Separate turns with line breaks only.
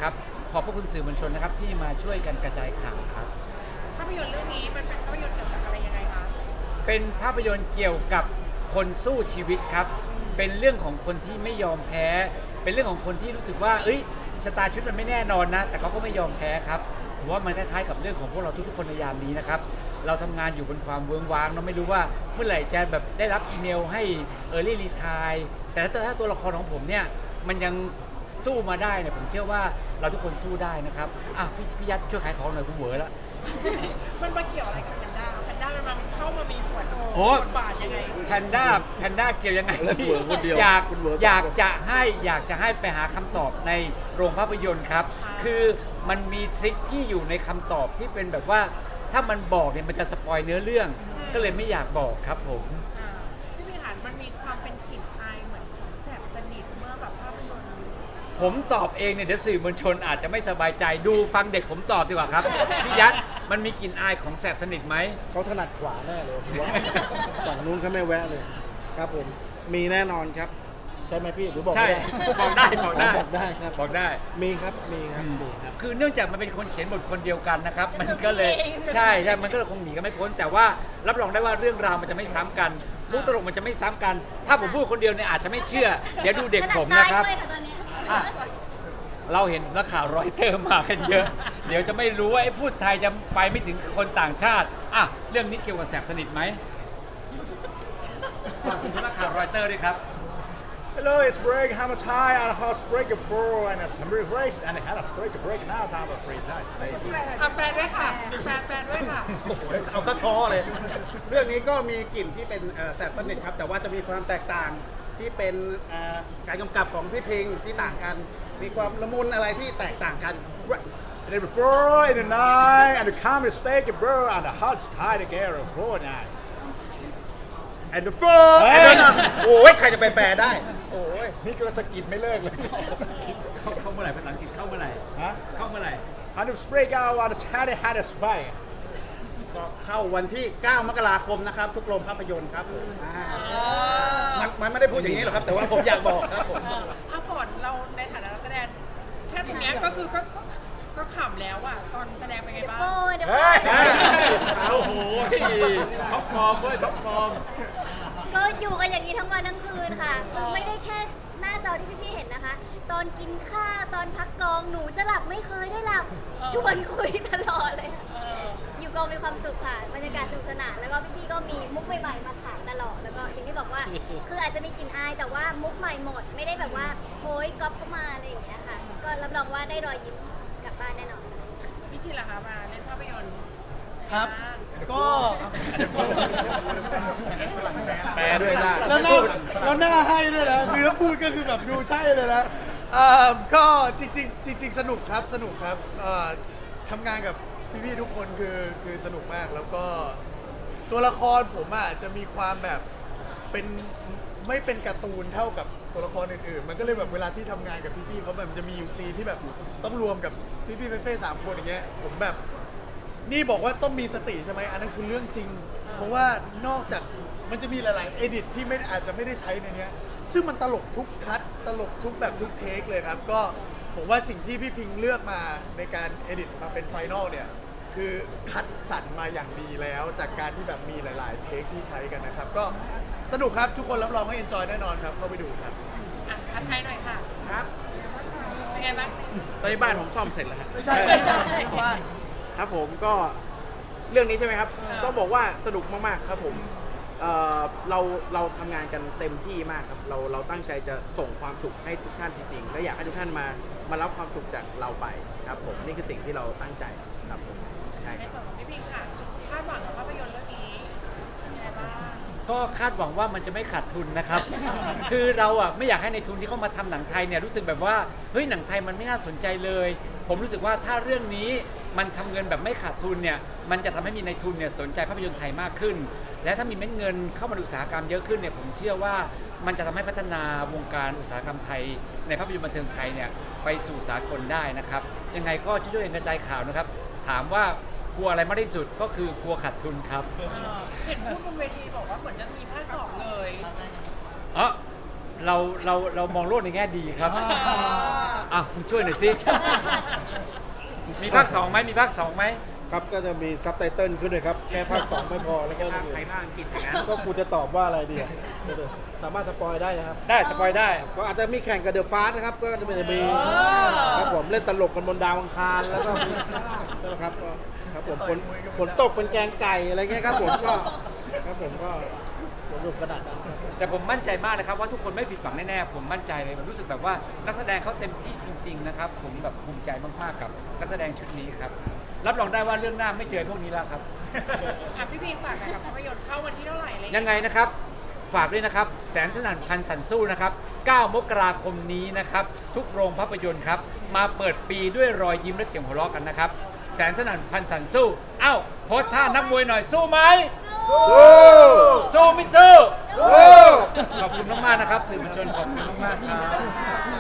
นะครับขอบพระคุณสื่อมวลชนนะครับที่มาช่วยกันกระจายข่าวครับ
ภาพยนตร์เรื่องนี้มันเป็นภาพยนตร์เกี่ยวกับอะไรยังไงคะ
เป็นภาพยนตร์เกี่ยวกับคนสู้ชีวิตครับเป็นเรื่องของคนที่ไม่ยอมแพ้ เป็นเรื่องของคนที่รู้สึกว่าเอ้ยชะตาชีวิตมันไม่แน่นอนนะแต่เขาก็ไม่ยอมแพ้ครับผมว่ามันคล้ายๆกับเรื่องของพวกเราทุกๆคนในยามนี้นะครับเราทำงานอยู่บนความเวิ้งว้างเราไม่รู้ว่าเมื่อไหร่จะแบบได้รับอีเมลให้Early Retire แต่ถ้าตัวละครของผมเนี่ยมันยังสู้มาได้เนี่ยผมเชื่อว่าเราทุกคนสู้ได้นะครับพี่ยัดช่วยขายของหน่อยคุณเหวอแล้ว
มันมาเกี่ยวอะไรกับแพนด้ามันเข้ามามีส่วน
โอ้
บทบาทยังไง
แพนด้าเกี่ยวยังไง
แล้วคุณเหวอคนเดียว
อยาก
คุณเหวอ
อยากจะให้ไปหาคำตอบในโรงภาพยนตร์ครับ คือมันมีทริคที่อยู่ในคำตอบที่เป็นแบบว่าถ้ามันบอกเนี่ยมันจะสปอยเนื้อเรื่อง ก็เลยไม่อยากบอกครับผม
พี่พิหารมันมีความเป็นกลิ่นอายเหมือนของแสบสนิทเมื่อแบบภาพยนตร์
ผมตอบเองเนี่ยเดี๋ยวสื่อมวลชนอาจจะไม่สบายใจดูฟังเด็กผมตอบดีกว่าครับพี่ยัดมันมีกลิ่นอายของแสบสนิทไหม
เขาถนัดขวาแน่เลยผมว่าฝั่งนู้นเขาไม่แวะเลยครับผมมีแน่นอนครับใช่ไหมพี่หรือบอก
ใช่
ไม่ได้
บอกได้บอกได้
บอกได้ครับ
บอกได้
มีครับมีครับมีครับ
คือเนื่องจากมันเป็นคนเขียนบทคนเดียวกันนะครับ มันก็เลยใช่มันก็เลยคงหนีกันไม่พ้น แต่ว่ารับรองได้ว่าเรื่องราวมันจะไม่ซ้ำกันมุกตลกมันจะไม่ซ้ำกัน ถ้าผมพูดคนเดียวเนี่ยอาจจะไม่เชื่อ เดี๋ยวดูเด็กผมนะครับ
ขนาดซ้ายด้วยค่ะตอนนี้
อ่ะเราเห็นนักข่าวรอยเตอร์มากันเยอะ เดี๋ยวจะไม่รู้ว่าไอ้พูดไทยจะไปไม่ถึงคนต่างชาติเรื่องนี้เกี่ยวกับแสบสนิทไหมขอบคุณนักข่าวรอยเตอร์ด้วยครับ
Hello, it's Greg Hamatai on a house break before and it's Henry Race and I had a break now time of free nice baby.
แปลด้วยค่ะแปลด้วยค่ะ
โอ้โหเอาสะท้อเลย เรื่องนี้ก็มีกลิ่นที่เป็นแสบสนิทครับ แต่ว่าจะมีความแตกต่างที่เป็นการกำกับของพี่พิงที่ต่างกัน มีความละมุนอะไรที่แตกต่างกัน
And then before in the night and the comedy steak and bro and the hot tie together for night. And the four
เฮ้ยโอ้ยใครจะไปแปลได้ โอ้ย
นี่ก็สะกิดไม่เลิกเลย
เข้าเมื่อไหร่ภาษาอังกฤษเข้าเมื่อไหร่
ฮะ
เข้าเมื่อไหร่
And the break out on the had a spike.
ก็เข้าวันที่ 9 มกราคมนะครับ ทุกโรงภาพยนตร์ครับมันไม่ได้พูดอย่างนี้หรอกครับ แต่ว่าผมอยากบอกครับผม
ถ้าฝนเราในฐานะนักแสดงแค่ตรงเนี้ยก็คือก็ขำแล้วอะตอนแสดงเป็นไงบ้าง
โอ้เดี๋ยว
เฮ้ย
โอ้โหท็อปฟอร์มเว้ยท็อปฟอร์ม
ก็อยู่กันอย่างนี้ทั้งวันทั้งคืนค่ะคือไม่ได้แค่หน้าจอที่พี่ๆเห็นนะคะ ตอนกินข้าวตอนพักกองหนูจะหลับไม่เคยได้หลับชวนคุยตลอดเลยค่ะอยู่กองมีความสุขค่ะบรรยากาศสนุกสนานแล้วก็พี่ๆก็มีมุกใหม่ๆมาขายตลอดแล้วก็อย่างที่บอกว่า คืออาจจะมีกลิ่นอายแต่ว่ามุกใหม่หมด ไม่ได้แบบว่าโอยก๊อปเข้ามาอะไรอย่างเงี้ยค่ะ ก็รับรองว่าได้รอยยิ้มกลับบ้านแน่นอน
พี่ชินล่ะคะมาเล่นภาพยนตร์
ครับ ก็
แปลด้วยนะ
แล้วหน้าให้ด้วยนะเนื้อพูดก็คือแบบดูใช่เลยนะก็จริงสนุกครับสนุกครับทำงานกับพี่ๆทุกคนคือสนุกมากแล้วก็ตัวละครผมอ่ะจะมีความแบบเป็นไม่เป็นการ์ตูนเท่ากับตัวละครอื่นๆ มันก็เลยแบบเวลาที่ทำงานกับพี่ๆเขาแบบจะมีอยู่ซีนที่แบบต้องรวมกับพี่ๆเฟ่ๆ3 คนอย่างเงี้ยผมแบบ นี่บอกว่าต้องมีสติใช่ไหมอันนั้นคือเรื่องจริง เพราะว่านอกจากมันจะมีหลายๆเอดิตที่อาจจะไม่ได้ใช้ในเนี้ยซึ่งมันตลกทุกคัทตลกทุกแบบทุกเทคเลยครับ ก็ผมว่าสิ่งที่พี่พิงเลือกมาในการเอดิตมาเป็นไฟนอลเนี่ย คือคัดสรรมาอย่างดีแล้ว จากการที่แบบมีหลาย ๆ เทคที่ใช้กันนะครับ ก็สนุกครับทุกคนรับรองว่าเอนจอยแน่นอนครับ เข้าไปดูครับ
อ่ะไทยหน่อยค่ะ
ครับ
เป็นไงบ้าง
ตอนนี้บ้านผมซ่อมเสร็จแล้วครับ
ไม่ใช่
ครับผมก็เรื่องนี้ใช่ไหมครับ ต้องบอกว่าสนุกมากๆครับผมเราทำงานกันเต็มที่มากครับเราตั้งใจจะส่งความสุขให้ทุกท่านจริงๆและอยากให้ทุกท่านมารับความสุขจากเราไปครับผมนี่คือสิ่งที่เราตั้งใจครับผมใช่
ใน
ครับ
ส่วนของพี่พิงค่ะคาดหวังกับภาพยนตร์เรื่องนี้ยังไงบ้าง
ก็คาดหวังว่ามันจะไม่ขาดทุนนะครับ คือเราไม่อยากให้ในทุนที่เข้ามาทำหนังไทยเนี่ยรู้สึกแบบว่าเฮ้ยหนังไทยมันไม่น่าสนใจเลย ผมรู้สึกว่าถ้าเรื่องนี้มันทำเงินแบบไม่ขาดทุนเนี่ยมันจะทำให้มีในทุนเนี่ยสนใจภาพยนตร์ไทยมากขึ้น และถ้ามีเม็ดเงินเข้ามาในอุตสาหกรรมเยอะขึ้นเนี่ยผมเชื่อว่ามันจะทำให้พัฒนาวงการอุตสาหกรรมไทยในภาพยนตร์บันเทิงไทยเนี่ยไปสู่สากลได้นะครับยังไงก็ช่วยๆกันกระจายข่าวนะครับถามว่ากลัวอะไรมากที่สุดก็คือกลัวขาดทุนครับ
เห็นพูดบนเวทีบอกว่าเหมือนจะมีภาค 2เลย
อ๋อเรามองโลกในแง่ดีครับอ่ะคุณช่วยหน่อยสิมีภาค2ไหมมีภาค2ไหม
ครับก็จะมีซับไตเติลขึ้นเลยครับ แค่ภาค 2 ไม่พอแล้วก็
ภาคไทยภาคอังกฤษอย่างนั้น
ก็กูจะตอบว่าอะไรดีอะสามารถสปอยได้นะครับ
ได้สปอยได้
ก็อาจจะมีแข่งกับเดอะฟาสนะครับ ก็จะมีครับผมเล่นตลกกันบนดาวอังคารแล้วก็นะครับก็ครับผมฝนตกเป็นแกงไก่อะไรเงี้ยครับผมก็ครับผมก็สนุกขนาดนั้นครับ
แต่ผมมั่นใจมากเลยครับว่าทุกคนไม่ผิดหวังแน่ๆผมมั่นใจเลยผมรู้สึกแบบว่านักแสดงเขาเต็มที่จริงๆนะครับผมแบบภูมิใจมากๆกับนักแสดงชุดนี้ครับรับรองได้ว่าเรื่องหน้าไม่เจอพวกนี้แล้วครับ
อ่ะพี่พีฝากหน่อยกับภาพยนตร์เข้าวันที่เท่าไหร่อะไร
ยังไงนะครับฝากด้วยนะครับแสนสนั่นพันสันสู้นะครับ9 มกราคมนี้นะครับทุกโรงภาพยนตร์ครับมาเปิดปีด้วยรอยยิ้มและเสียงหัวเราะกันนะครับแสนสนั่นพันสันสู้เอ้าโพสท่านักมวยหน่อยสู้ไหมสู้ไม่สู้ขอบคุณมากๆนะครับสื่อมวลชนขอบคุณมากๆครับ